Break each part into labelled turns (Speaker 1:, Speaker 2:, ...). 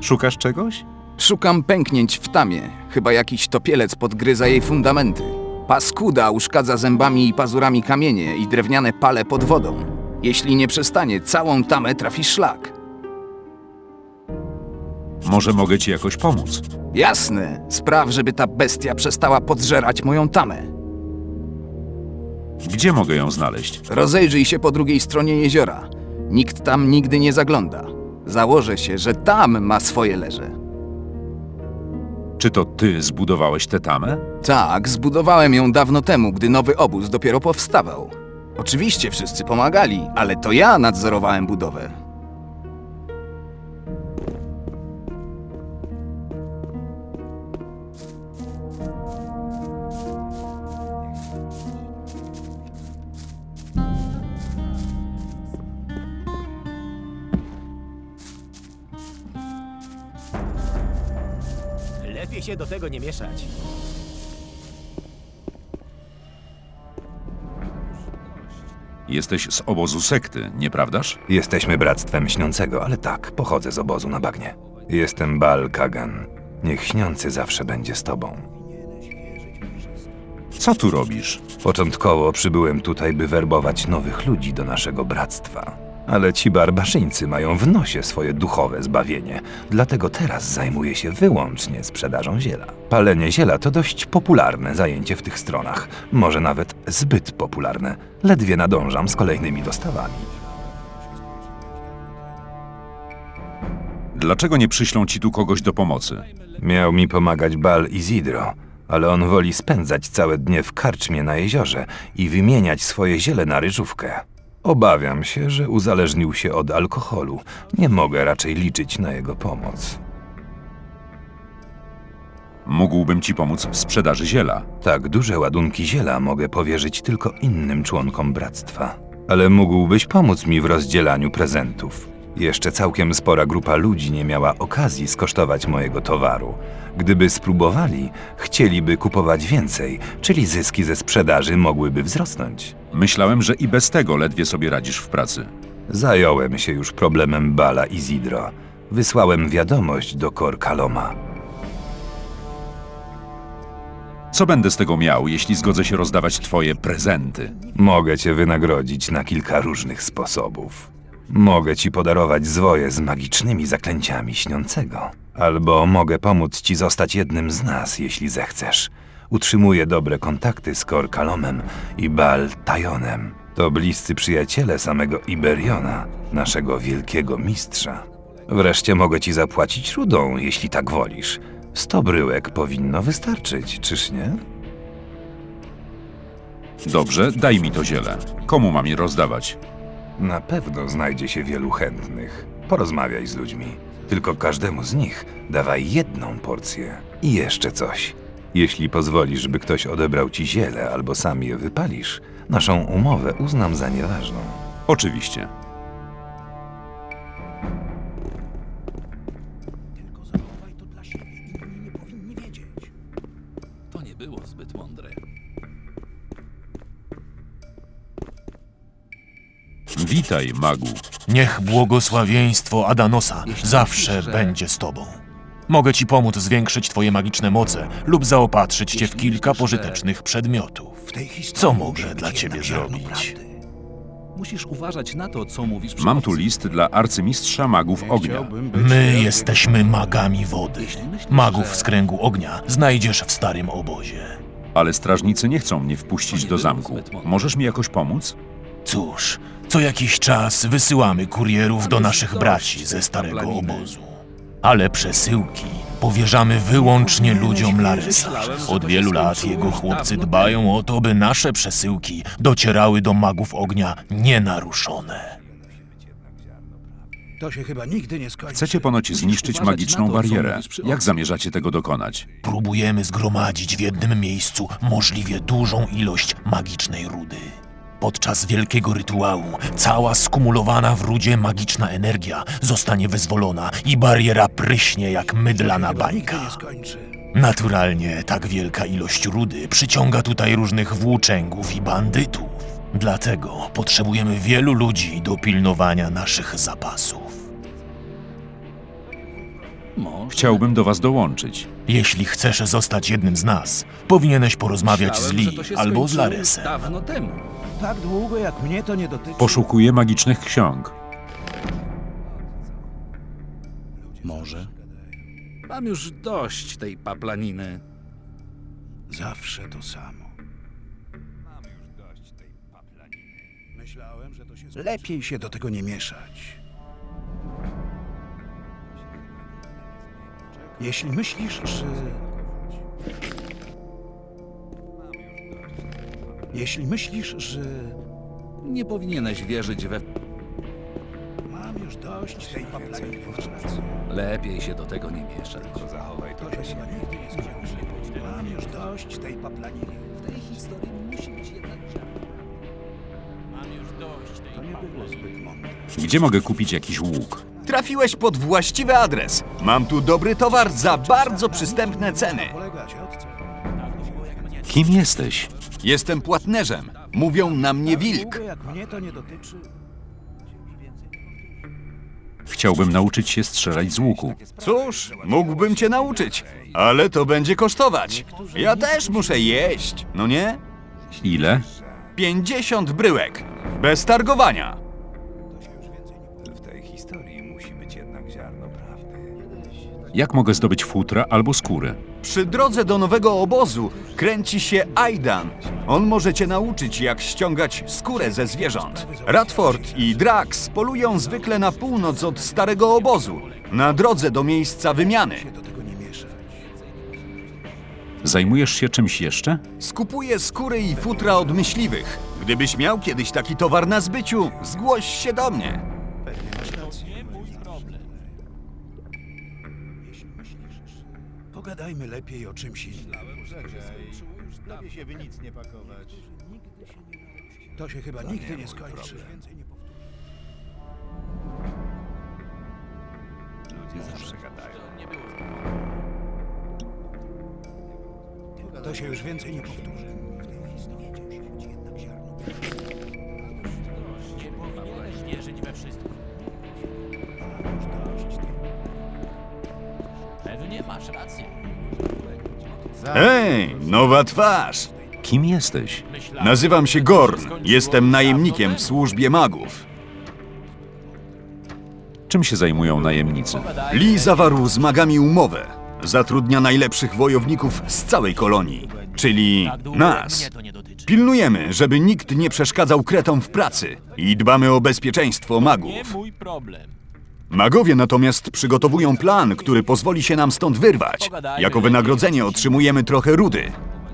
Speaker 1: Szukasz czegoś?
Speaker 2: Szukam pęknięć w tamie. Chyba jakiś topielec podgryza jej fundamenty. Paskuda uszkadza zębami i pazurami kamienie i drewniane pale pod wodą. Jeśli nie przestanie, całą tamę trafi szlak.
Speaker 1: Może mogę ci jakoś pomóc?
Speaker 2: Jasne, spraw, żeby ta bestia przestała podżerać moją tamę.
Speaker 1: Gdzie mogę ją znaleźć?
Speaker 2: Rozejrzyj się po drugiej stronie jeziora. Nikt tam nigdy nie zagląda. Założę się, że tam ma swoje leże.
Speaker 1: Czy to ty zbudowałeś tę tamę?
Speaker 2: Tak, zbudowałem ją dawno temu, gdy nowy obóz dopiero powstawał. Oczywiście wszyscy pomagali, ale to ja nadzorowałem budowę.
Speaker 3: Lepiej się do tego nie mieszać.
Speaker 1: Jesteś z obozu sekty, nieprawdaż?
Speaker 4: Jesteśmy Bractwem Śniącego, ale tak, pochodzę z obozu na bagnie. Jestem Baal Kagan. Niech Śniący zawsze będzie z tobą.
Speaker 1: Co tu robisz?
Speaker 4: Początkowo przybyłem tutaj, by werbować nowych ludzi do naszego bractwa. Ale ci barbarzyńcy mają w nosie swoje duchowe zbawienie, dlatego teraz zajmuję się wyłącznie sprzedażą ziela. Palenie ziela to dość popularne zajęcie w tych stronach, może nawet zbyt popularne. Ledwie nadążam z kolejnymi dostawami.
Speaker 1: Dlaczego nie przyślą ci tu kogoś do pomocy?
Speaker 4: Miał mi pomagać Baal Izidro, ale on woli spędzać całe dnie w karczmie na jeziorze i wymieniać swoje ziele na ryżówkę. Obawiam się, że uzależnił się od alkoholu. Nie mogę raczej liczyć na jego pomoc.
Speaker 1: Mógłbym ci pomóc w sprzedaży ziela.
Speaker 4: Tak duże ładunki ziela mogę powierzyć tylko innym członkom bractwa. Ale mógłbyś pomóc mi w rozdzielaniu prezentów. Jeszcze całkiem spora grupa ludzi nie miała okazji skosztować mojego towaru. Gdyby spróbowali, chcieliby kupować więcej, czyli zyski ze sprzedaży mogłyby wzrosnąć.
Speaker 1: Myślałem, że i bez tego ledwie sobie radzisz w pracy.
Speaker 4: Zająłem się już problemem Baala Izidro. Wysłałem wiadomość do Kor Kaloma.
Speaker 1: Co będę z tego miał, jeśli zgodzę się rozdawać twoje prezenty?
Speaker 4: Mogę cię wynagrodzić na kilka różnych sposobów. Mogę ci podarować zwoje z magicznymi zaklęciami Śniącego. Albo mogę pomóc ci zostać jednym z nas, jeśli zechcesz. Utrzymuję dobre kontakty z Kor Kalomem i Baal Tajonem. To bliscy przyjaciele samego Iberiona, naszego wielkiego mistrza. Wreszcie mogę ci zapłacić rudą, jeśli tak wolisz. 100 bryłek powinno wystarczyć, czyż nie?
Speaker 1: Dobrze, daj mi to ziele. Komu mam je rozdawać?
Speaker 4: Na pewno znajdzie się wielu chętnych. Porozmawiaj z ludźmi. Tylko każdemu z nich dawaj jedną porcję. I jeszcze coś. Jeśli pozwolisz, by ktoś odebrał ci ziele albo sam je wypalisz, naszą umowę uznam za nieważną.
Speaker 1: Oczywiście.
Speaker 5: To nie było zbyt mądre.
Speaker 1: Witaj, magu.
Speaker 6: Niech błogosławieństwo Adanosa zawsze będzie z tobą. Mogę ci pomóc zwiększyć twoje magiczne moce lub zaopatrzyć cię w kilka pożytecznych przedmiotów. Co mogę dla ciebie zrobić?
Speaker 5: Musisz uważać na to, co mówisz przy
Speaker 1: Mam tu
Speaker 5: obcych.
Speaker 1: list dla arcymistrza magów ognia.
Speaker 6: My jesteśmy magami wody. Magów z kręgu ognia znajdziesz w starym obozie.
Speaker 1: Ale strażnicy nie chcą mnie wpuścić do zamku. Możesz mi jakoś pomóc?
Speaker 6: Cóż, co jakiś czas wysyłamy kurierów do naszych braci ze starego obozu. Ale przesyłki powierzamy wyłącznie ludziom Laresa. Od wielu lat jego chłopcy dbają o to, by nasze przesyłki docierały do magów ognia nienaruszone.
Speaker 7: To się chyba nigdy nie skończy.
Speaker 1: Chcecie ponoć zniszczyć
Speaker 5: uważać
Speaker 1: magiczną
Speaker 5: na to, co
Speaker 1: barierę.
Speaker 5: mówisz przy
Speaker 1: Jak
Speaker 5: obcych.
Speaker 1: zamierzacie tego dokonać?
Speaker 6: Próbujemy zgromadzić w jednym miejscu możliwie dużą ilość magicznej rudy. Podczas wielkiego rytuału cała skumulowana w rudzie magiczna energia zostanie wyzwolona i bariera pryśnie jak mydlana bańka.
Speaker 7: Nigdy nie skończy.
Speaker 6: Naturalnie tak wielka ilość rudy przyciąga tutaj różnych włóczęgów i bandytów. Dlatego potrzebujemy wielu ludzi do pilnowania naszych zapasów.
Speaker 5: Może.
Speaker 1: Chciałbym do was dołączyć.
Speaker 6: Jeśli chcesz zostać jednym z nas, powinieneś porozmawiać z
Speaker 5: Myślałem, że
Speaker 6: Lee
Speaker 5: to się
Speaker 6: albo z
Speaker 5: skończyło
Speaker 6: Laresem.
Speaker 5: dawno temu.
Speaker 3: Tak długo jak mnie to nie dotyczy.
Speaker 1: Poszukuję magicznych ksiąg.
Speaker 5: Może. Mam już dość tej paplaniny.
Speaker 7: Zawsze to samo. Lepiej się do tego nie mieszać. Jeśli myślisz, że... Jeśli myślisz, że...
Speaker 5: Nie powinieneś wierzyć we...
Speaker 7: Mam już dość tej paplaniny.
Speaker 5: Lepiej się do tego nie mieszać.
Speaker 4: Zachowaj to
Speaker 7: To się chyba nigdy nie skończy. Mam już dość tej paplaniny.
Speaker 5: W tej historii musi być jednak
Speaker 7: To nie było zbyt mądre.
Speaker 1: Gdzie mogę kupić jakiś łuk?
Speaker 2: Trafiłeś pod właściwy adres. Mam tu dobry towar za bardzo przystępne ceny.
Speaker 7: Polega ciotce.
Speaker 1: Kim jesteś?
Speaker 2: Jestem płatnerzem. Mówią na mnie wilk.
Speaker 7: Długo jak mnie to nie dotyczy.
Speaker 1: Chciałbym nauczyć się strzelać z łuku.
Speaker 2: Cóż, mógłbym cię nauczyć, ale to będzie kosztować. Ja też muszę jeść, no nie?
Speaker 1: Ile?
Speaker 2: 50 bryłek. Bez targowania.
Speaker 4: W tej historii musi być jednak ziarno prawdy.
Speaker 1: Jak mogę zdobyć futra albo skóry?
Speaker 2: Przy drodze do nowego obozu kręci się Aidan. On może cię nauczyć, jak ściągać skórę ze zwierząt. Radford i Drax polują zwykle na północ od starego obozu, na drodze do miejsca wymiany.
Speaker 7: Do tego nie mieszać.
Speaker 1: Zajmujesz się czymś jeszcze?
Speaker 2: Skupuję skóry i futra od myśliwych. Gdybyś miał kiedyś taki towar na zbyciu, zgłoś się do mnie.
Speaker 7: Pogadajmy lepiej o czymś innym.
Speaker 3: Lepiej się by nic nie pakować.
Speaker 7: To się chyba nigdy nie skończy.
Speaker 4: Ludzie zawsze gadają.
Speaker 7: To się już więcej nie powtórzy.
Speaker 6: Pewnie masz rację.
Speaker 2: Hej, nowa twarz.
Speaker 1: Kim jesteś?
Speaker 2: Nazywam się Gorn. Jestem najemnikiem w służbie magów.
Speaker 1: Czym się zajmują najemnicy?
Speaker 2: Lee zawarł z magami umowę. Zatrudnia najlepszych wojowników z całej kolonii, czyli nas. Pilnujemy, żeby nikt nie przeszkadzał kretom w pracy i dbamy o bezpieczeństwo magów.
Speaker 6: Mój problem.
Speaker 2: Magowie natomiast przygotowują plan, który pozwoli się nam stąd wyrwać. Jako wynagrodzenie otrzymujemy trochę rudy.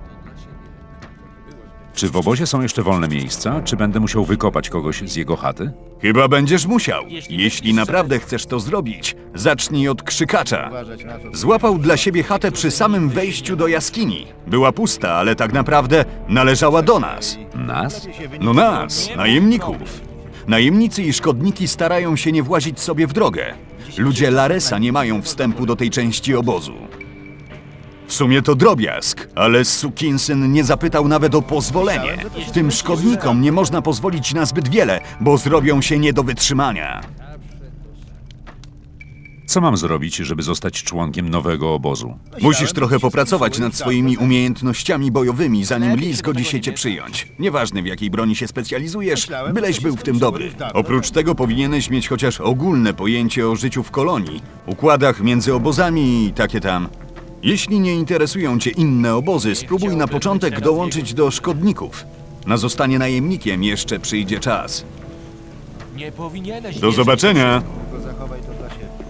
Speaker 1: Czy w obozie są jeszcze wolne miejsca, czy będę musiał wykopać kogoś z jego chaty?
Speaker 2: Chyba będziesz musiał. Jeśli naprawdę chcesz to zrobić, zacznij od krzykacza. Złapał dla siebie chatę przy samym wejściu do jaskini. Była pusta, ale tak naprawdę należała do nas.
Speaker 1: Nas?
Speaker 2: No nas, najemników. Najemnicy i szkodniki starają się nie włazić sobie w drogę. Ludzie Laresa nie mają wstępu do tej części obozu. W sumie to drobiazg, ale sukinsyn nie zapytał nawet o pozwolenie. Tym szkodnikom nie można pozwolić na zbyt wiele, bo zrobią się nie do wytrzymania.
Speaker 1: Co mam zrobić, żeby zostać członkiem nowego obozu?
Speaker 2: Musisz trochę popracować nad swoimi umiejętnościami bojowymi, zanim Lee zgodzi się cię przyjąć. Nieważne w jakiej broni się specjalizujesz, byleś był w tym dobry. Oprócz tego powinieneś mieć chociaż ogólne pojęcie o życiu w kolonii, układach między obozami i takie tam. Jeśli nie interesują cię inne obozy, spróbuj na początek dołączyć do szkodników. Na zostanie najemnikiem jeszcze przyjdzie czas.
Speaker 6: Nie powinieneś
Speaker 2: Do zobaczenia!
Speaker 3: Zachowaj to dla siebie.